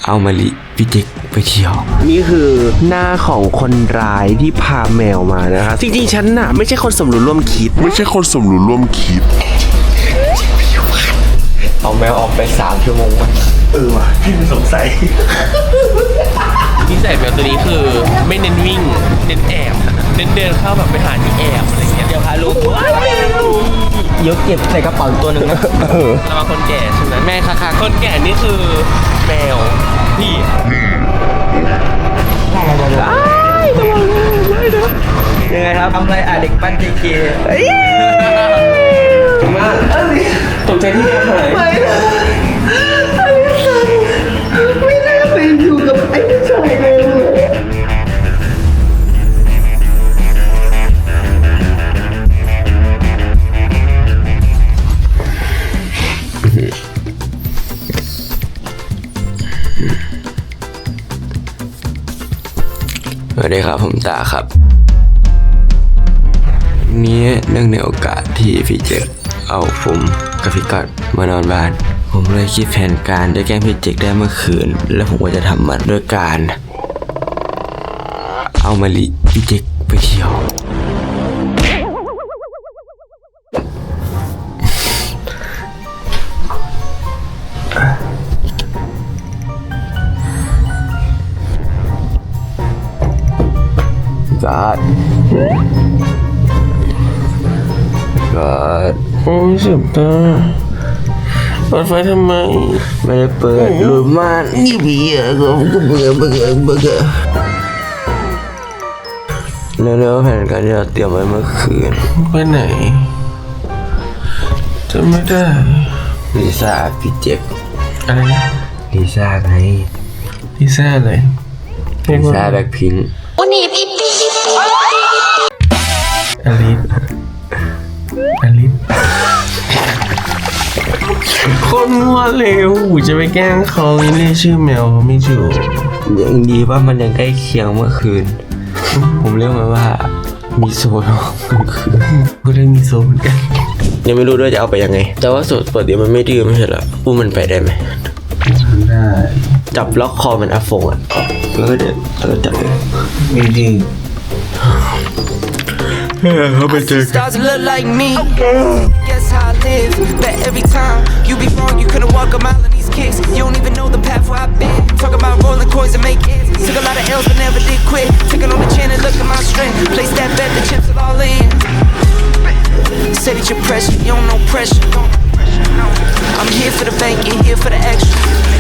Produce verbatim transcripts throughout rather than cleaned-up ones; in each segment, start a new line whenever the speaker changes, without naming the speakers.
เอามาลิพี่เจ๊กไปเที่ยวนี่คือหน้าของคนร้ายที่พาแมวมานะคะจริงๆฉันน่ะไม่ใช่คนสมรู้ร่วมคิด
ไม่ใช่คนสมรู้ร่วมคิด
เอาแมวออกไปสามชั่วโมงมั้ย
เออว่ะพี่ไม่สงสัย
นิสัยแมวตัวนี้คือไม่เน้นวิ่งเน้นแอบเน้นเดินเข้าแบบไปหาที่แอบอะไรเงี้ยเดี๋ยวพาลูก
ยกเก็บใส่กระเป๋าตัวหนึ่งนะ
เรามาคนแก่ใช่ไหมแม่ค่ะคนแก่นี่คือแมวพี่
ยังไงครับ
ทำไรอ่ะเด็กปั้นเจเกมาตกใจที่ทำอะไรไม่
ไม่น่าไปอยู่กับไอ้ผู้ชายเลย
สวัสดีครับผมตาครับนี้เนื่องในโอกาสที่พี่เจคเอาผมกับพี่กัดมานอนบ้านผมเลยคิดแผนการจะแกล้งพี่เจคได้เมื่อคืนแล้วผมก็จะทำมันด้วยการเอามาลิพี่เจคไปเที่ยวกัดกัด
โอ้ยเจ็บตาเปิดไฟทำไม
ไม่ได้เปิดหรือมันนี่พี่อะก็เบื่อเบื่อเบื่อเร็วๆแผนการที่เราเตรียมไว้เมื่อคืน
ไปไหนจะไม่ได้
ลิซ่าพี่เจ็บ
อะไรนะ
ลิซ่าไง
ลิซ่าอะไร
ลิซ่าแบ็คพิงค์
อลิสอลิสคนมัวเร็วจะไปแกล้งเขาเรียกชื่อแมวไม่ถูก
ยังดีว่ามันยังใกล้เคียงเมื่อคืนผมเรียกมันว่ามีโซนคือ
ก็ได้มีโซนเหมือนกัน
ยังไม่รู้ด้วยจะเอาไปยังไงแต่ว่าสุดปกติมันไม่ดื้อไม่ใช่เหรออุ้มมันไปได้ไหม
ได้
จับล็อกคอมันอาฟงอ่ะแล้วก็เดินแล้วก็จับเลย
ไม่ดื้อ
เขาไปเจอกัน
Kicks. You don't even know the path where I've been. Talk about rolling coins and make hits. Took a lot of L's but never did quit. Taking on the chin and look at my strength. Place that bet, the chips are all in. Say that you're pressure, you don't know pressure. I'm here for the bank, you're here for the extra.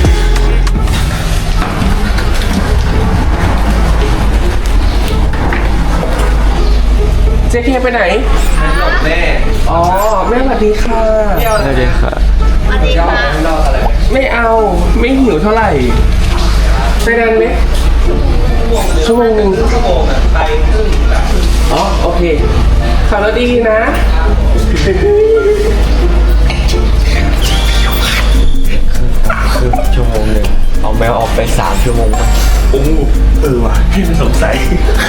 เจ๊เคไปไหนแม่อ๋อแม่สวัสดีค่ะ
สวัสดีค่ะ
สวัสดีค่ะ
ไม่เอาไม่หิวเท่าไหร่ไปนานไหมชั่วโมงหนึ่งชั่วโมงอ่ะไปครึ่งอ๋อโอเคขับรถดีๆนะ
คือชั่วโมงหนึ่งเอาแมวออกไปสามชั่วโมง
โอ้เออว่ะพี่ไม่สงสัย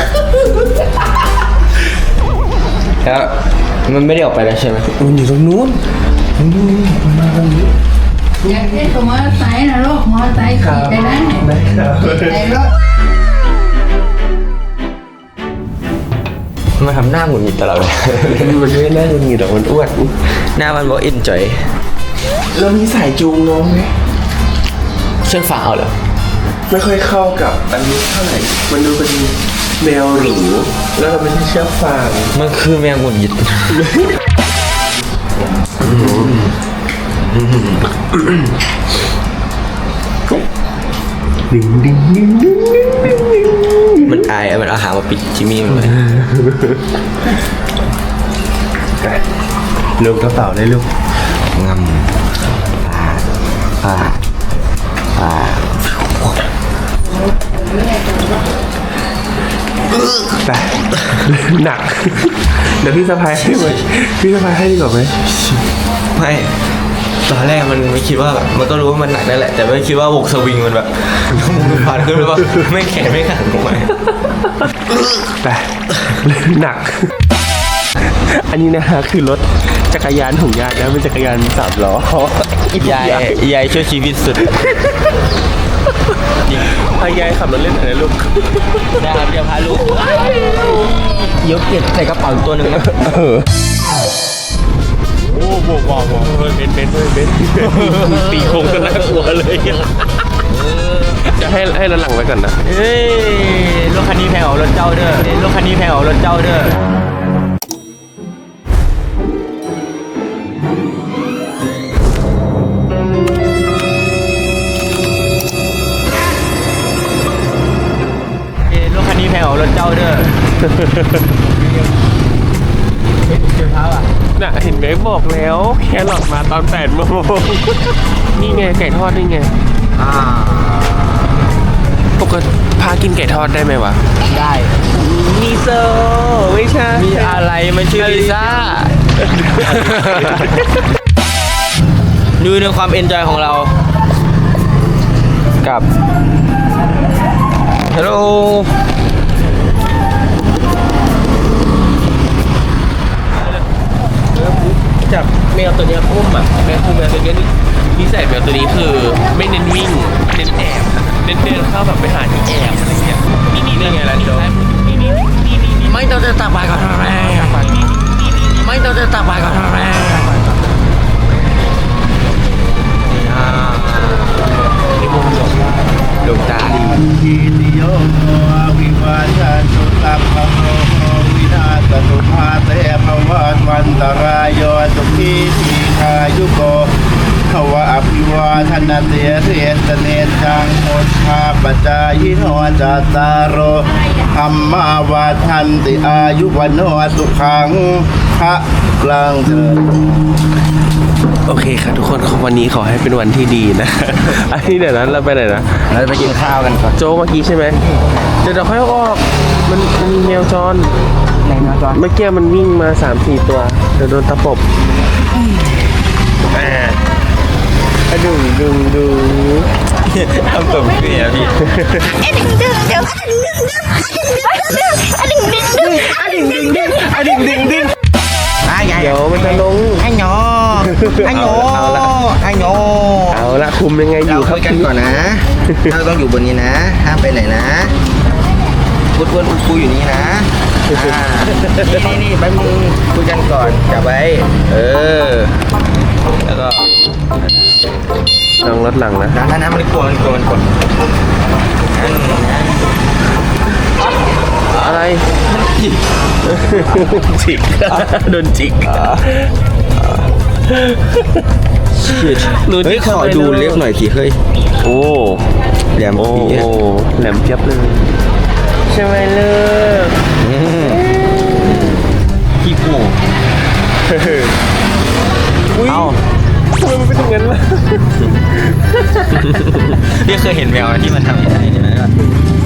แล้วมันไม่ได้ออกไปแล้วใช่ไหม
มันอยู่ตรงนู้นมันอยู่มันมาตรงนี้
อยากได้ตัวมอเตอร์ไซค์นะลูกมอเตอร์ไซค์ขี่ไปได้ในรถ
มาทำหน้าหงุดหงิดตลอดเลย
มันไม่ได้หน้าหงุดหงิดหรอกมันอ้วน
หน้ามันบอกอินจอย
แล้วมีสายจูงน้องไหม
เชือกฟางเอาเหรอ
ไม่ค่อยเข้ากับอันนี้เท่าไหร่มันดูเป็นแมวหรูแล้วมันไม่ใช่เชือกฟาง
มันคือแมวหงุดหงิด
ดึงดึงดึงดึง
มันอายมันเอาหางมาปิดจิมมี่มันเลย
ลูกกระเป๋าได้ลูก
งำปลาปลา
แต่หนักเดี๋ยวพี่สะพายให้ไหมพี่สะพายให้ดีกว่าไหม
ไม่ตอนแรกมันไม่คิดว่าแบบมันก็รู้ว่ามันหนักนั่นแหละแต่ไม่คิดว่าวงสวิงมันแบบมันผ่านขึ้นหรือเปล่าไม่แข็งไม่ขันลงไป
แต่หนักอันนี้นะฮะคือรถจักรยานของญาตินะเป็นจักรยานสามล้อย
ายยายช่วยชีวิตสุด
ายายขับรถเล่นหน่อยนะลูก
ได้ครับเดี๋ยวพาลูกยกเก็บใส่กระเป๋าอีกตัวหนึ่งนะ
โอ้โหว้าวว้าวเฮ้ยเบนเบนเฮ้ยเบนตีโค้งก็น่ากลัวเลยจะให้ให้ระหลังไว้ก่อนนะ
เอ้ยรถคันนี้แพงกว่ารถเจ้าเด้อเอ้ยรถคันนี้แพงกว่ารถเจ้าเด้อเอ้ยรถคันนี้แพงกว่ารถเจ้าเด้อเจ็บเท้าอ่ะ
น่ะเห็นไหมบอกแล้วแครอทมาตอนแปดโมงนี่ไงไก่ทอดนี่ไง
อ่า
ปกติพากินไก่ทอดได้ไหมวะ
ได้
มีโซไม่ใช่
มีอะไรมันชื่อลิซ่า ดูในความเอนจอยของเรา กับฮัลโหล
จับแมวตัวเนี้ยอุ้มอ่ะแมวอุ้มแมวตัวเนี้ยนิสัยแมวตัวนี้คือไม่เน้นวิ่งเน้นแอบเน้นเดินเข้าแบบไปหาที่แอบอะไรเงี้ยนี่นี่นี่ไงล่ะโจ
ไม่ต้องจะตักบาตรก่อนทำไมไม่ต้องจะตักบาตรก่อนทำไมลูกตาดี
กิติโยโมวิวัชชันตุตัพพะโมวินาศตุภาเตภวันวันตรายโยสุขีทีคายุโกภวะอภิวาทนาเตเสตเนจังโมชาปจายิโนจัตตารโอธรรมาวาทันติอายุวันโนสุขังพระกลางเถิด
โอเคค่ะทุกคนวันนี้ขอให้เป็นวันที่ดีนะ อันนี้เดี๋ยวนั้นเราไปไหนนะ
เราจะไปกินข้าวกันก่อน
โจเมื่อกี้ใช่ไหมเดี๋ยวเราค่อยเอาออกมันมันมีแมวจร
ไหนนะจอน
เมื่อกี้มันวิ่งมาสามสี่ตัวเดี๋ยวโดนตะปบอ่าอะดึงดึงดึง
ทำตัวเกลียพี่
อะดึงดึงดึงอะดึงดึงดึง
อ่ะใหญ่
เดี๋ยวมันจะลง
ไอ้หนอไอ้หนอ
เอาละ
ไอ้หนอ
เอาละคุมยังไงอยู่
เรา
ครั
คุ
บ
ยกันก่อนนะเราต้องอยู่บนนี้นะห้ามไปไหนนะพูดพูดคุยอยู่นี่นะอ่านี่นี่นี่แป๊บนึงคุยกันก่อนจับไว้เออแล้วก็
ลองรถหลังนะ
น้ำน้ำน้ำมันกลัวมันกลัวมันกลัวนั่นนะ
อะไรจิกโดนจิกหนู
เฮ้ย
จิก
ขอดูเล็บหน่อยสิเฮ้ย
โอ้
แหลม
โอ้
ปี๊ด
แหลมเพียบเลยใช่ไหมเลิก
อืมขี้โป่ง
อุ้ย
เอ้า
ทำไมมันเป็นอย่างนั้นล่ะ
พี่เคยเห็นแมวที่มันทำอย่างนี้ไหมล่ะ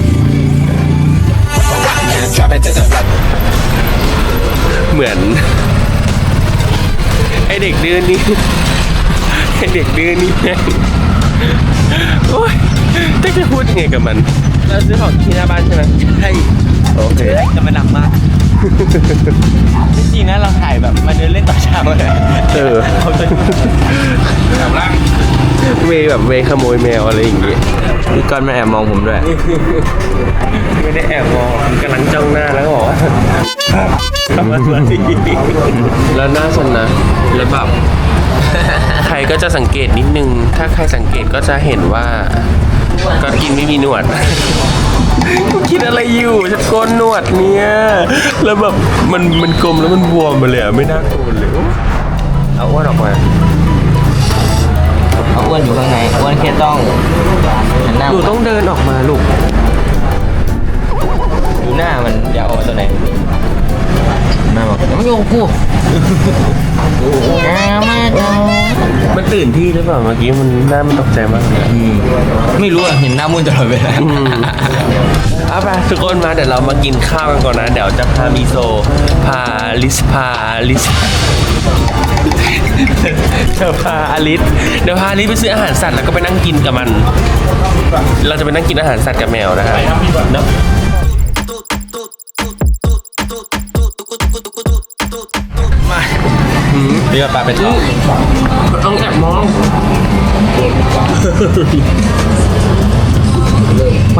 เหมือนไอเด็กดื้อนี่ไอเด็กดื้อนี่แม่งโอ๊ยจะจะพูดยังไงกับมันเราซื้อของที่หน้าบ้านใช่ไหม
ใช่
โอเค
แต่มันหนักมากจริงๆนะเราถ่ายแบบมาเดินเล่นต่อเช้าเลย
เออ
เขาจะทำร่าง
เวแบบเวขโมยแมวอะไรอย่างเงี้ย
พี่ก้อนมาแอบมองผมด้วย
ไม่ได้แอบมองกำลังจ้องหน้าแล้วก็บอกว่าทำอะไรแล้วหน้าสนนะแล้วแบบใครก็จะสังเกตนิดนึง ถ้าใครสังเกตก็จะเห็นว่าก็กินไม่มีหนวด คิดอะไรอยู่ฉันโกนหนวดเนี่ยแล้วแบบมันมันกลมแล้วมันบวมมาเลยอะไม่น่าโกนเลยเอาอ้วนออกมา
เอาอ้วนอยู่ข้างในอ้วนแค่ต้องหันหน้า
หนูต้องเดินออกมาลูก
ดูหน้ามันอยากออกมาตัวไหนหน้าบอกไม่โยกกูอ้าวมาดอ
มันตื่นที่หรือเปล่าเมื่อกี้มันหน้ามันตกใจมากเลย
ไม่รู้อ่ะเห็นหน้ามุ่นตลอดเวลา
เอาไปทุกคนมาเดี๋ยวเรามากินข้าวกันก่อนนะ เดี๋ยวจะพามิโซ พาลิสพาลิสจะพาอลิสเดี๋ยวพาอลิสไปซื้ออาหารสัตว์แล้วก็ไปนั่งกินกับมัน เราจะไปนั่งกินอาหารสัตว์กับแมวนะครับเนาะ
มาเรือปลาไปต่อ
ต้องแอบมอง
ไป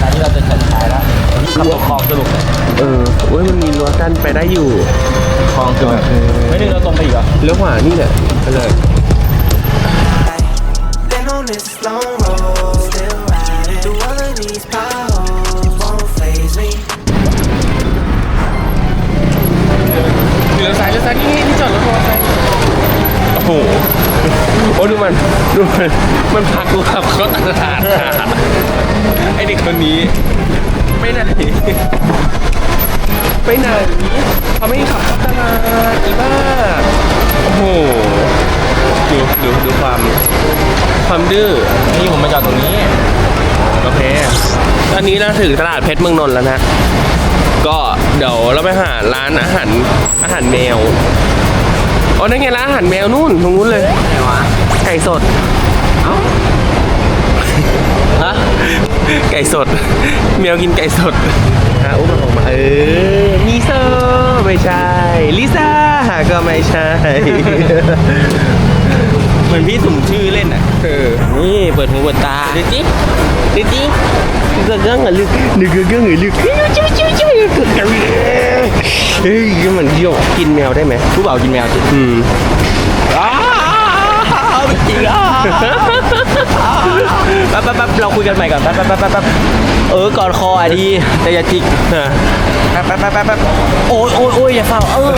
ตอนนี้เราจะจัดท้ายแล้วขับตกคลองสรุป
เออโอ้ยมันมีรั้วกั้นไปได้อยู่
คลองคือแบบไม่นึงเราตรงไปอีกเหรอ
เลี้ยวขวานี่แหละไปเลย
Been on this long road, still riding through all of these potholes, won't faze me.
เลี้ยวซ้ายเลี้ยวซ้ายนี่ที่จอดรถมอเตอร์ไซค์โอ้โหโอ้ดูมันดูมันมันพักกูขับเขาตลาดค่ะไอเด็กคนนี้ไปไหนไปไหนเขาไม่ขับเข้าตลาดอีบ้าโอ้โหดูดูดูความความดื้อ
นี่ผมมาจอดตรงนี้
โอเคตอนนี้เราถึงตลาดเพชรเมืองนนท์แล้วนะก็เดี๋ยวเราไปหาร้านอาหารอาหารแมวอ๋อนั่นไงร้านอาหารแมวนู่นตรงนู้นเลย
ไหนวะ
ไก่สด
เอ้าฮะ
ไก่สดแมวกินไก่สดฮะอุ้มมันออกมาเออมิโซไม่ใช่ลิซ่าก็ไม่ใช่
เหมือนพี่สุ่มชื่อเล่นอ่ะ
เออ
นี่เปิดหูเปิดตา
ดิจิดิจิก็เรื่องอะลึกนึกก็เรื่องอะลึกจิ้วจิ้วจิ้วเฮ้ยมันเที่ยวกินแมวได้ไหม
ผู้บ่าวกินแมวจิ
อืม
อ้าวจริงอ่ะแป๊บแป๊บแป๊บเราคุยกันใหม่ก่อนแป๊บแป๊บแป๊บแป๊บเออกอดคออ่ะดีแต่อย่าจิกแป๊บแป๊บแป๊บแป๊บแป๊บโอ้ยโอ้ยโอ้ยอย่าเฝ้าเออ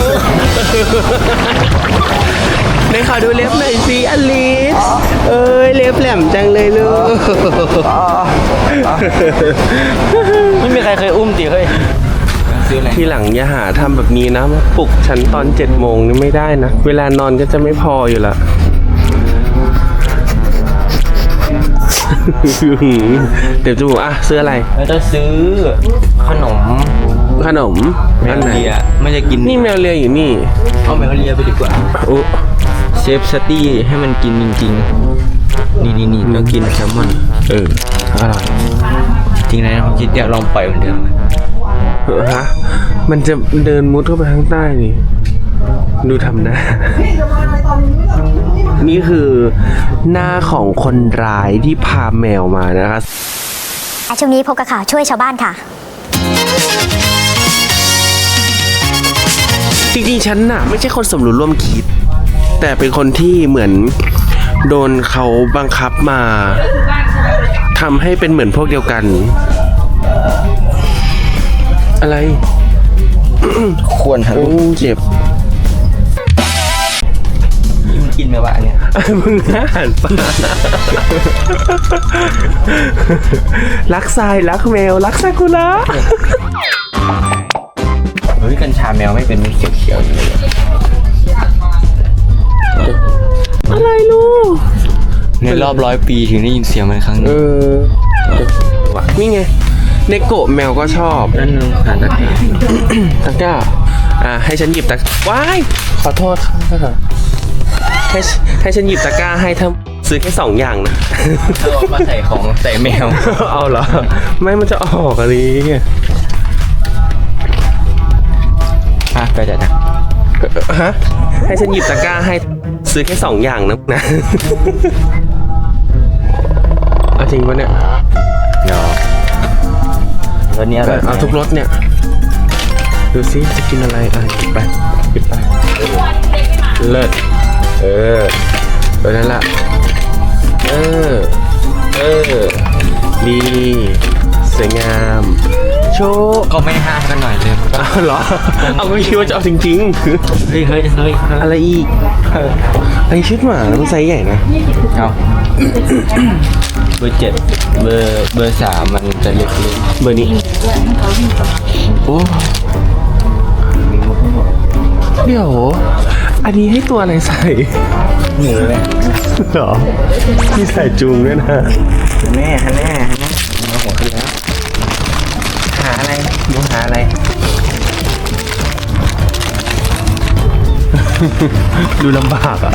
ได้ขอดูเล็บหน่อยสิอลิสเอ้ยเล็บแหลมจังเลยลูก
ไม่มีใครเคยอุ้มติเคยซื้ออะไร
ทีหลังอย่าหาทำแบบนี้นะมาปลุกฉันตอนเจ็ดโมงนี่ไม่ได้นะ เวลานอนก็จะไม่พออยู่ละ เดี๋ยวจะบอกอ่ะซื้ออะไร
เราจะซื้อขนม
ขนม
แม
อัน
ว
ไหน
เลียไม่จะกิน
นี่แมวเลียอยู่นี่
เอาแมวเลียไปดีกว่า
โอ้
เชฟสตี้ให้มันกินจริงๆ นี่นี่นี่ต้องกินแซลมอน
เอออร่อย
จริงนะผมคิดอยากลองปล่อยเหมือนเดิม
เออฮะมันจะเดินมุดเข้าไปข้างใต้นี่ ดูทำหน้า นี่คือหน้าของคนร้ายที่พาแมวมานะคะ
ช่วงนี้พบกับข่าวช่วยชาวบ้านค่ะ
จริงๆฉันน่ะไม่ใช่คนสมรู้ร่วมคิด แต่เป็นคนที่เหมือนโดนเขาบังคับมาทำให้เป็นเหมือนพวกเดียวกัน อะไร
ควรฮะ
โอ้เจ็บ
มันกินไหมวะอันเนี่ย
มึงอาหารปลารักทรายรักแมวรักซากุระ
เฮ้ยกัญชาแมวไม่เป็นเขียวเขียวๆอยู่เลย
อะไรลูก
ในรอบร้อยปีถึงได้ยินเสียงมันครั้งห
เอ
นึง
อนี่ไงเนโกะแมวก็ชอบ
นั่นหาตะกร้า
ตะกร้าอ่าให้ฉันหยิบตะว้ายขอโทษค่ะให้ให้ฉันหยิบตะกร้าให้ถ้าซื้อแค่สองอย่างนะ
เอามาใส่ของใส่แมว
เอาเหรอไม่มันจะออกอะไร
อ่ะก็จะนะ
ฮะให้ฉันหยิบตะกร้าให้ซื้อแค่สองอย่างนะนะ เอาจริงปะเนี่ย
เนาะแล้วเนี้ย
เอาทุกรสเนี่ยดูซิจะกินอะไรอ่ะหยิบไปหยิบไปเลิศเออตัวนั้นละเออเออดีสวยงามโชว์
ก็ไม่ห้ามกันหน่อยเลย
เอาเหรอเอาก็คิดว่าจะเอาจริงๆ
เฮ้ยเฮ้ยเฮ้ย
อะไรอีกไอชุดหมาแล้วมันไซส์ใหญ่นะ
เอาเบอร์เจ็ดเบอร์เบอร์สามมันจะเล็กนิด
เบอร์นี้โอ้เดี๋ยวอันนี้ให้ตัวอะไรใส่
หนูเลย
เหรอมีใส่จูงด้วยนะ
แม่ฮะแม่ฮะแม่หัวขึ้นแล้วหาอะไรหนูหาอะไร
ดูลำบากอ่ะ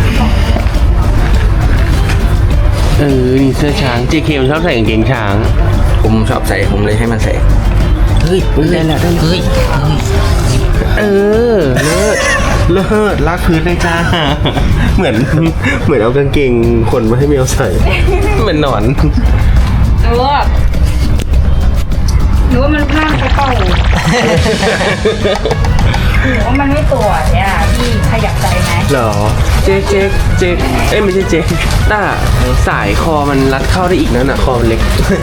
เออนี่เสื้อช้าง เจ เค มันชอบใส่กางเกงช้าง
ผมชอบใส่ผมเลยให้มันใส่เฮ้ยเฮ้ยได้แล้วได้แล้วเฮ้ย
เออเลิศเลิศลากพื้นเลยจ้า เหมือนเหมือนเอากางเกงคนมาให้เมียวใส่ เหมือนหนอน
หนูว่าหนูว่ามันพลาดไปเปล่าหนูว่ามันไม่ตัวเนี่ยพี่ขยับใจไหม
เหรอ เจ๊กเจ๊กเจ๊กเอ้ยไม่ใช่เจ๊กต้าสายคอมันรัดเข้าได้อีกนั่นน่ะคอมันเล็ก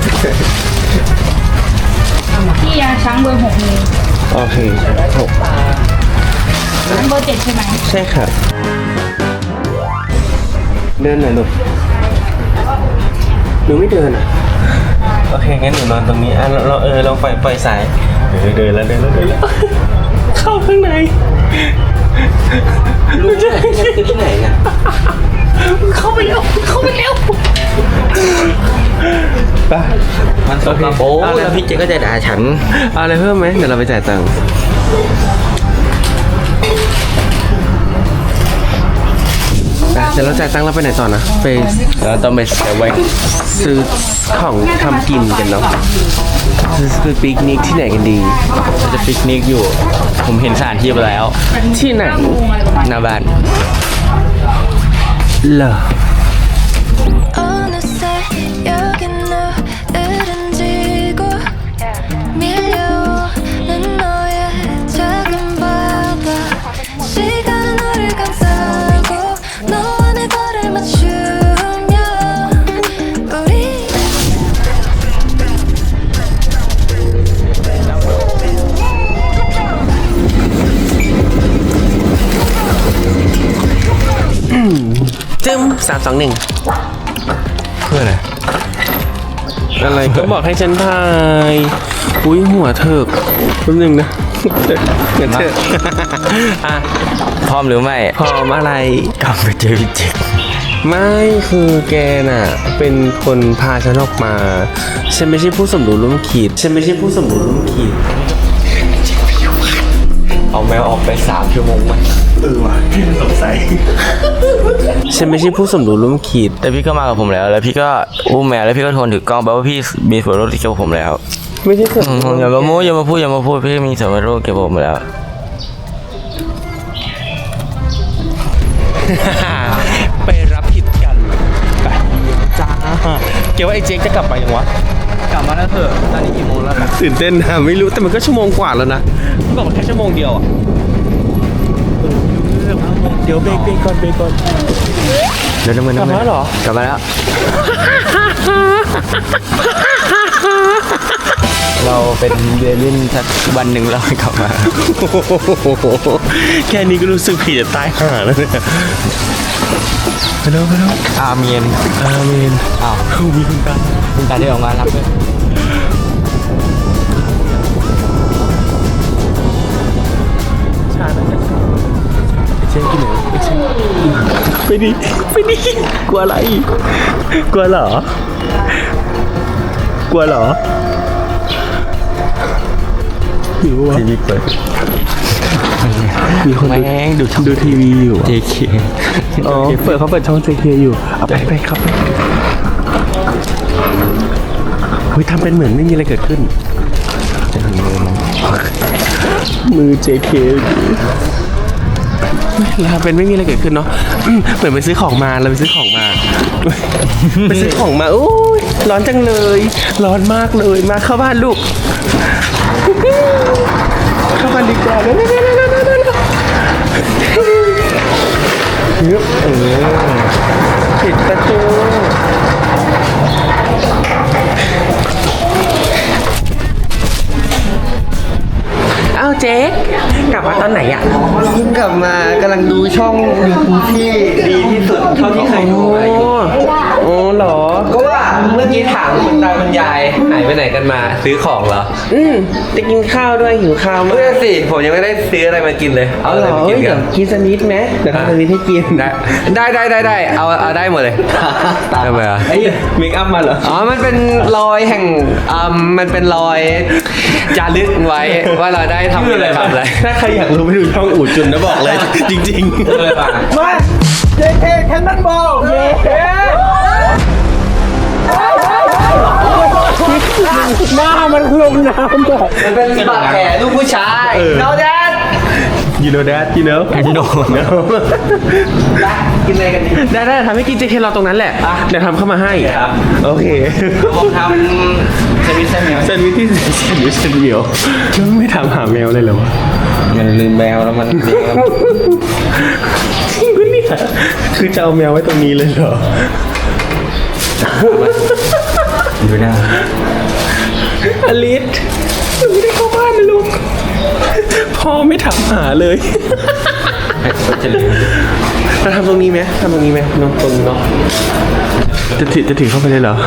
พี่ยาช้างเบอร์หกมี
โอเคหก
เบอร์เจ็ดใช่ไหม
ใช่ค่ะเดินหน่อยลูกหนูไม่เดินอ่ะ โอเคงั้นหนูนอนตรงนี้อ่ะเราเราเออเราปล่อยปล่อยสายเออเดินแล้วเดินแล้วเดินแล้ว เข้าข้างในลูกจะที่ไหนนะเข้าไปแล้วเข้าไปแล้วไป
มันสกปรกแล้วพี่เจก็จะด่าฉัน
เอาอะไรเพิ่มไหมเดี๋ยวเราไปจ่ายตังค์เดี๋ยวเราจ่ายตังค์แล้วไปไหนต่อนะไป
เราต้องไปเซเว่น
ซื้อของทำกินกันเนาะซื้อซื้อปิกนิกที่ไหนกันดี
เราจะปิกนิกอยู่ ผมเห็นสถานที่ไปแล้ว
ที่ไหน
หน้าบ้าน
เหรอ
어느새 여긴 너를 지고 밀려오는 너의 작은 바다 시간은 우릴 감싸고 너와 내 발을 맞추며 우리
จึ้มสามสองหนึ่ง
เพื่ออะไร
อะไรก็บอกให้ฉันถ่ายอุ้ยหัวเถิกแป๊บนึงนะเดี๋ยวเถอะอ่ะ
พร้อมหรือไม่
พร้อมอะไร
กลับไปเจอพี่เจก
ไม่คือแกน่ะ เป็นคนพาฉันออกมา ฉันไม่ใช่ผู้สมรู้ร่วมคิด ฉันไม่ใช่ผู้สมรู้ร่วมคิด
เอาแมวออกไปสามชั่วโมงมัน
ฉันไม่ใช่ผู้สมรู้ร่วมคิด
แต่พี่ก็มากับผมแล้ว แล้วพี่ก็อุ้มแมวแล้วพี่ก็ทนถือกล้องแปลว่าพี่มีส่วนร่วมเกี่ยวกับผมแล้ว
ไม่ใช่สม
อืม
รู้
อย่ามาโม้อย่ามาพูดอย่ามาพูดพี่มีส่วนร่วมเกี่ยวกับผมแล้ว
ไปรับผิดกันไปจ้าเกี่ยวว่าไอ้เจ๊กจะกลับไปยังวะ
กลับมาแล้วเถอะตอนนี้กี่โมงแล้วล่ะ
ตื่นเต้นนะไม่รู้แต่มันก็ชั่วโมงกว่าแล้วนะบอกมันแค่ชั่วโมงเดียวอ่ะเดี๋ยวเบรกเบรกก่อนเบรกก่อน
เดี๋ยวน้ำเงิน
กลับมาแล้วเหรอ
กลับมาแล้ว เราเป็นเรียนเล่นสักวันหนึ่งเรากลับมา
แค่นี้ก็รู้สึกผิดจะตายห่าแล้วเนี่ยไปเร็วไปเร็ว
อาเมียน
อาเมน
อ้าว
มีคุณตา
คุณตาได้ออกมารับด้วย
ชาแล้วเช่นกินไหนไปดิไปดิกลัวอะไรกลัวเหรอกลัวเหรออยู่วะทีวีเปิดมีคนดูดูดูทีวีอยู่ เจ เค อ๋อเปิดเขาเปิดช่อง เจ เค อยู่เอาไปไปครับเฮ้ยทำเป็นเหมือนไม่มีอะไรเกิดขึ้นมือ เจ เค เราเป็นไม่มีอะไรเกิดขึ้นเนาะอืมเหมือนไปซื้อของมาเราไปซื้อของมา ไปซื้อของมาโอ้ยร้อนจังเลย ร้อนมากเลยมาเข้าบ้านลูก เข้าบ้านดีกว่าเร็วๆๆๆๆเยอะเออปิดประตูอ้าวเจ๊กลับมาตอนไหนอ่ะ
เพิ่งกลับมากำลังดูช่อง YouTube ที่ดีที่สุดเท่าที่เคยดูมาอยู่
โอ้เหรอ
ก็ว่าเมื่อกี้ถามคุณตาคุณยายหายไปไหนกันมาซื้อของเหรอ
อืมจะกินข้าวด้วยหิวข้าวมา
เพื่
ก
อนสิผมยังไม่ได้ซื้ออะไรมากินเลย
เอา
เอา
เห
อะ
ร
ไร
อ
มากิ
เฮ้
น
ย
กั
เดี๋ยวน กินสนิทไหมเดี๋ยวทำสนิทให้กิน
ได้ได้ได้ได้เอาเอาได้หมดเลยทำไมอ่ะ
ไอ้เมคอัพมาเหรอ
อ๋อมันเป็นรอยแห่งอ่ามันเป็นรอยจารึกไว้ว่าเราได้ทำอะไรทำอะไร
ถ้าใครอยากรู้ไปดูช่องอู่จุนนะบอกเลย จริงๆ
มาเจเคแคนนอนบอลเย้
หน้ามันลงน้ำแบบ
มันเป็นบาดแผลลูกผู้ชายโนแดน
you know that you know you know
กินอะไรกันดี
ได้ได้ทำให้กินเจเคเราตรงนั้นแหละ เดี๋ยวทำเข้ามาให้ โอเค
ผมทำสวิตเซอร์แมว
แซนด์วิชที่แซนด์วิชแซนด์วิชแล้วไม่ถามหาแมวเลยเหรอวะ
มันลืมแมวแล้วมันเลี้ยงแล้ว
จริงปะเนี่ยคือจะเอาแมวไว้ตรงนี้เลยเหรอ
ดูหน้า
อลิสไม่ได้เข้าบ้านนะลูก พ่อไม่ถามหาเลยเราทำตรงนี้ไหมทำตรงนี้ไหมน้องตรงนี้เนาะจะถือจะถือเข้าไปเลยเหรอ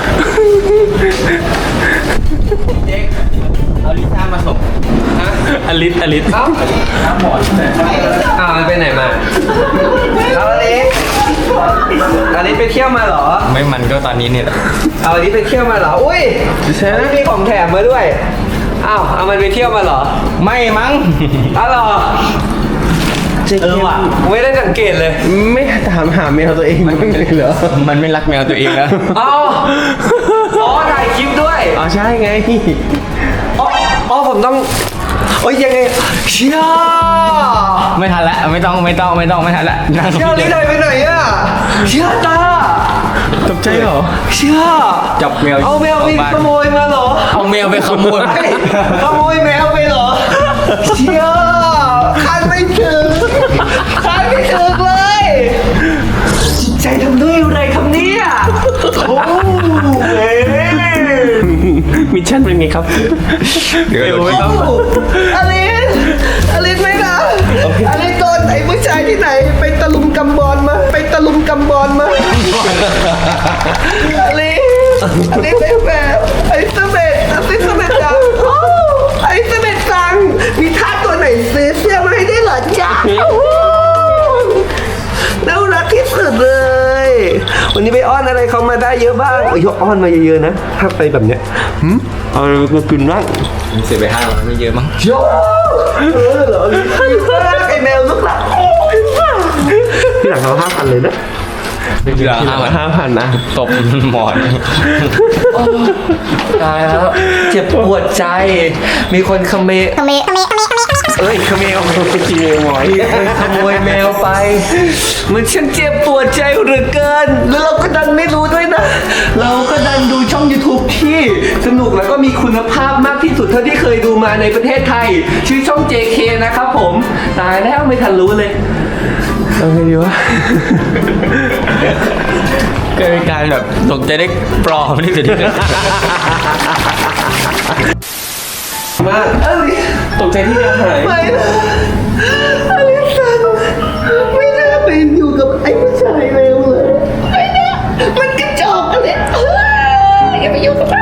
เจ๊กเอาลิซ่ามาส่งฮะ
อลิสอลิส
เอ้าน้ำหมอนอ้าวมันไปไหนมาเอาอลิสอลิสไปเที่ยวมาเหรอ
ไม่มันก็ตอนนี้เนี่ย
เอาอลิสไปเที่ยวมาเหรออุ้ย
ใช่ไหม
มีของแถมมาด้วยอ้าวเอามันไปเที่ยวมาเหรอ
ไม่มั้ง
อ้าวเหรอ
เออว่ะ
ไม่ได้สังเกตเลย
ไม่ถามหาแมวตัวเองมันเลยเหรอ
มันไม่รักแมวตัวเองแล้ว
อ๋ออ๋อถ่ายคลิปด้วย
อ๋อใช่ไง
อ๋ออ๋อผมต้องโอ้ยยังไงเชี่ย
ไม่ทันละไม่ต้องไม่ต้องไม่ต้องไม่ทันละนั่ง
เชี่ยนี่เลยไปไหนอะเชี่ยตา
ตกใจเหรอ
เชี่ย
จับแมว
เอาแมวไปขโมยมาเหรอ
เอาแมวไปขโมย
ไม่ขโมยแมวไปเหรอเชี่ยคาดไม่ถึงคาดไม่ถึงเลยจิตใจทำด้วยอะไรคำนี้อ่ะโอ้เฮ้ย
มิชชั่นเป็นไงครับ
เดี๋ยว
เดี๋ยว
เรา
ไม่
คิด
ต้อง
อลิสอลิสไม่นะอลิสโดนไอ้ผู้ชายที่ไหนไปตะลุมกำบอลมาไปตะลุมกำบอลมาอลิสอลิสไอ้แบบไอ้เสเบ็ดไอ้เสเบ็ดจังโอ้ไอ้เสเบ็ดจังมีท่าตัวไหนซื้อเสื้อมาให้ได้เหรอจ๊ะโอ้น่ารักที่สุดเลย วันนี้ไปอ้อนอะไรเขามาได้เยอะบ้างเอ้ยอ้อนมาเยอะๆนะถ้าไปแบบเนี้ยหืมเอาอะไรมากินบ้าง
เสียไปห้ามันไม่เยอะมั้ง
โย่เออเหรอไอแมวลูกหลักที่หลังเราห้าพันเลยนะ
เหลือห้า
ห้าพันนะ
ตบหมอน
ตายแล้วเจ็บปวดใจ มีคนขโมย
ขเมขเมขเมขเม
เอ้ยขโมย
จริงเลยหมอย
มีคนขโมยแมวไป มันช่างเจ็บปวดใจเหลือเกิน แล้วเราก็ดันไม่รู้ด้วยนะ เราก็ดันดูช่อง YouTube ที่สนุกแล้วก็มีคุณภาพมากที่สุดเท่าที่เคยดูมาในประเทศไทย ชื่อช่อง เจ เค นะครับผม ตายแล้วไม่ทันรู้เลย
เอาไงดีวะ
เกิดการแบบตกใจได้ปลอมที่สุดที่เกิด
มากเอ้ย
ตกใจที่แมวหาย
ไม่นะอลิสันไม่น่าไปอยู่กับไอ้ผู้ชายเร็วเลยไม่น่ามันกระจอกอะไรเอ้ยอย่าไปอยู่กับมัน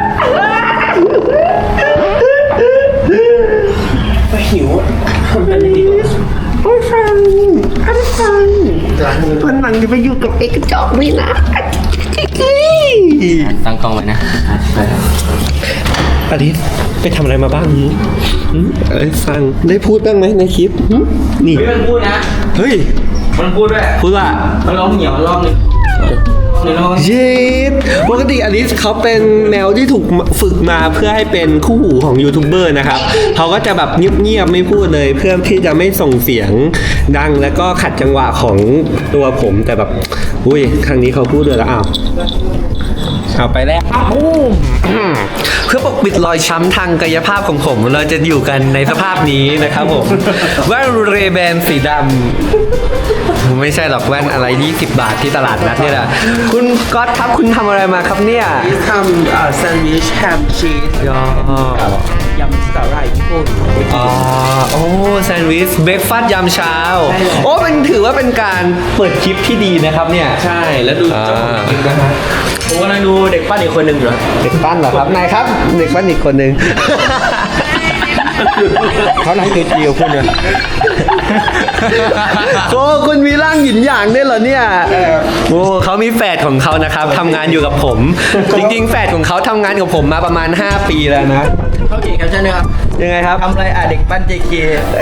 ไปหิวทำอะไรดีกว่า
โอ้ยฟันอลิสันวันหลังจะไปอยู่กับไอ้กระจอกไม่นะ
ตั้งกล้องไว้นะ
อลิสไปทำอะไรมาบ้างหืมหืมอลิสฟังได้พูดบ้างไหมในคลิปหืมนี่
เฮ้ยมันพูดนะ
เฮ้ย
มันพูดด้วย
พูดว่า
มันร้องเหนียวรอบนึงเดี๋ยวลอง
เย็ดปกติอลิสเขาเป็นแมวที่ถูกฝึกมาเพื่อให้เป็นคู่หูของยูทูบเบอร์นะครับเขาก็จะแบบเงียบๆไม่พูดเลย เพื่อที่จะไม่ส่งเสียงดังแล้วก็ขัดจังหวะของตัวผมแต่แบบอุ้ยครั้งนี้เขาพูดเลยแล้วอ้าวเอาไปแล้วเพื่อปกปิดรอยช้ำทางกายภาพของผม เราจะอยู่กันในสภาพนี้นะครับผมแว่นเรแบนสีดำไม่ใช่หรอกแว่นอะไรยี่สิบบาทที่ตลาดนัดนี่แหละคุณก๊อตครับคุณทำอะไรมาครับเนี่ย
ทำอ่าแซนด์วิชแฮมชีส
ยอย
ำสาหร่ายญี่ปุ่น
อ๋อโอ้แซนด์วิชเบรกฟาสต์ยามเช้าโอ้เป็นถือว่าเป็นการเปิดคลิปที่ดีนะครับเนี่ย
ใช่แล้วดูเจ้าของกินนะฮะผมกำลังดูเด็กปั้นอีกคนหนึ่งเหรอ
เด็กปั้นเหรอครับนายครับ เด็กปั้นอีกคนหนึ่ง
เขานั่งจิ๋วๆคุณเนี่ย
โอ้คุณมีร่างหยินหยางด้วยเหรอเนี่ยโอ้เขามีแฝดของเขานะครับทำงานอยู่กับผม จริงๆ แฝดของเขาทำงานกับผมมาประมาณห้าปีแล้วนะ
เขาเขียนแคปชั่นด้วยครับ
ยังไงครับ
ทำอะไรอ่ะเด็กปั้น เจ เค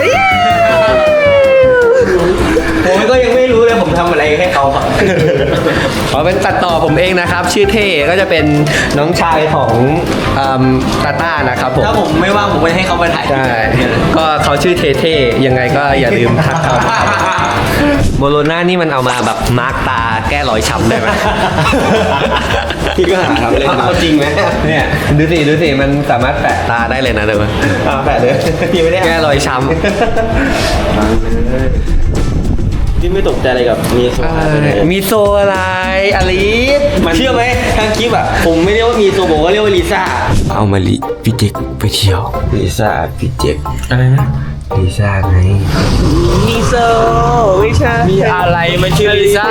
ผมก็ยังไม่รู้เลยผมทำอะไรให้เขาครับ
ขอเป็นตัดต่อผมเองนะครับ ชื่อเท่ก็จะเป็นน้องชายของอืมตาต้านะครับผม
ถ้าผมไม่ว่างผมไปให้เขามาถ่าย
ใช่ก็เขาชื่อเท่ๆยังไงก็อย่าลืมทักเขาโมโลน่านี่มันเอามาแบบมาร์กตาแก้รอยช้ำได้ไหม
พี่ก็หาครับเล่นเอาจริงไหม
เนี่ยดูสิดูสิมันสามารถแปะตาได้เลยนะเดี๋ยว
อ่าแปะเลยพี่ไม่ได้
แก้รอยช้ำ
พี่ไม่ตกใจอะไรกับมีโซ
มีโซอะไรอลิส
เชื่อไหมทางคลิปอ่ะผมไม่เรียกว่ามีโซผมก็เรียกว่าลิซ่า
เอามาลิพี่เจ็กไปเที่ยว
ลิซ่าพี่เจ็ก
อะไรนะ
ลิซ่าไงมีโซไม่ใช่มีอะไรมันชื่อลิซ่า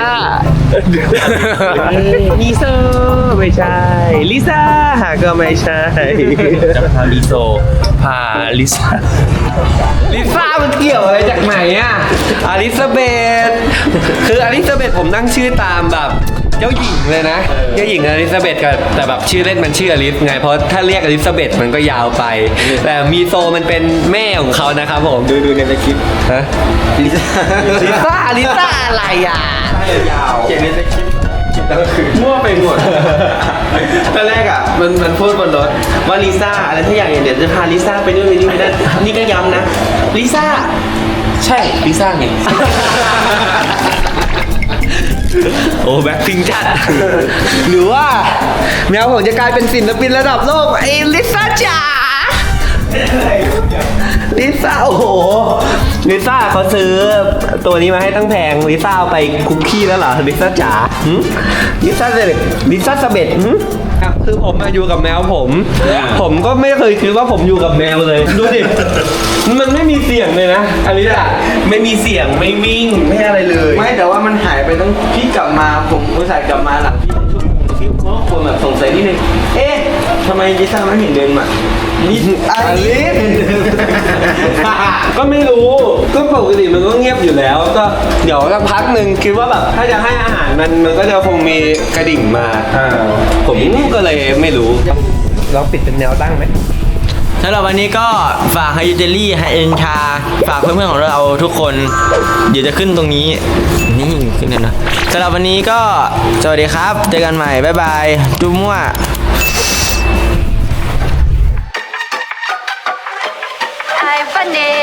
มีโซไม่ใช่ลิซ่าก็ไม่ใช่จะพาลิโซพาลิซ่า
ลิซ่ามันเกี่ยวอะไรจากไหนอ่ะอลิซาเบธคืออลิซาเบธผมตั้งชื่อตามแบบเจ้าหญิงเลยนะเจ้าหญิงอลิซาเบธกับแต่แบบชื่อเล่นมันชื่ออลิซไงเพราะถ้าเรียกอลิซาเบธมันก็ยาวไป แต่มีโซมันเป็นแม่ของเขานะครับผม
ดูดูในคลิป
ฮะ
ลิซ่า
ลิซ่าลิซ่าอะไรอ่ะ
ยาวเขียนในคลิปคลิปแล้วคือมั่วไปหมดตอนแรกอ่ะมันมันพูดบนรถว่าลิซ่าอะไรทุกอย่างเดี๋ยวจะพาลิซ่าไปนู่นไปนี่ไปนั่นนี่ก็ย้ำนะลิซ่าใช่ลิซ่าไง
โอ้แบ็คพิงจัด หรือว่าแมวผมจะกลายเป็นศิลปินระดับโลกไอ้ลิซ่าจ๋าลิซ่าโอ้โหลิซ่าเขาซื้อตัวนี้มาให้ตั้งแพงลิซ่าเอาไปคุกกี้แล้วเหรอลิซ่าจ๋าหึลิซ่าเสบ็ดลิซ่าเสบ็ดหึครับคือผมมาอยู่กับแมวผม ผมก็ไม่เคยคิดว่าผมอยู่กับแมวเลยดูดิมันไม่มีเสียงเลยนะอลิซ่าไม่มีเสียงไม่วิ่งไม่อะไรเลย
ไม่แต่ว่ามันหายไปตั้งพี่กลับมาผมอุตส่าห์กลับมาหลังพี่ชั่วโมงพี่เพราะคนแบบสงสัยนิดนึงเอ๊ะทำไมลิซ่าไม่เห็นเดินมานี่อลิส
ก็ไม่รู้ ก็ปกติมันก็เงียบอยู่แล้ว ก็เดี๋ยวสักพักหนึ่งคิดว่าแบบถ้าจะให้อาหารมันมันก็จะคงมีกระดิ่งมาผมก็เลยไม่รู้ลองปิดเป็นแนวตั้งไหม
สำหรับวันนี้ก็ฝากไฮยูเจลลี่ไฮเอ็นชาฝากเพื่อนๆของเราทุกคนเดี๋ยวจะขึ้นตรงนี้นี่ขึ้นเลยนะสำหรับวันนี้ก็สวัสดีครับเจอกันใหม่บ๊ายบายจุ๊บมั่ว
Hi, Bunny.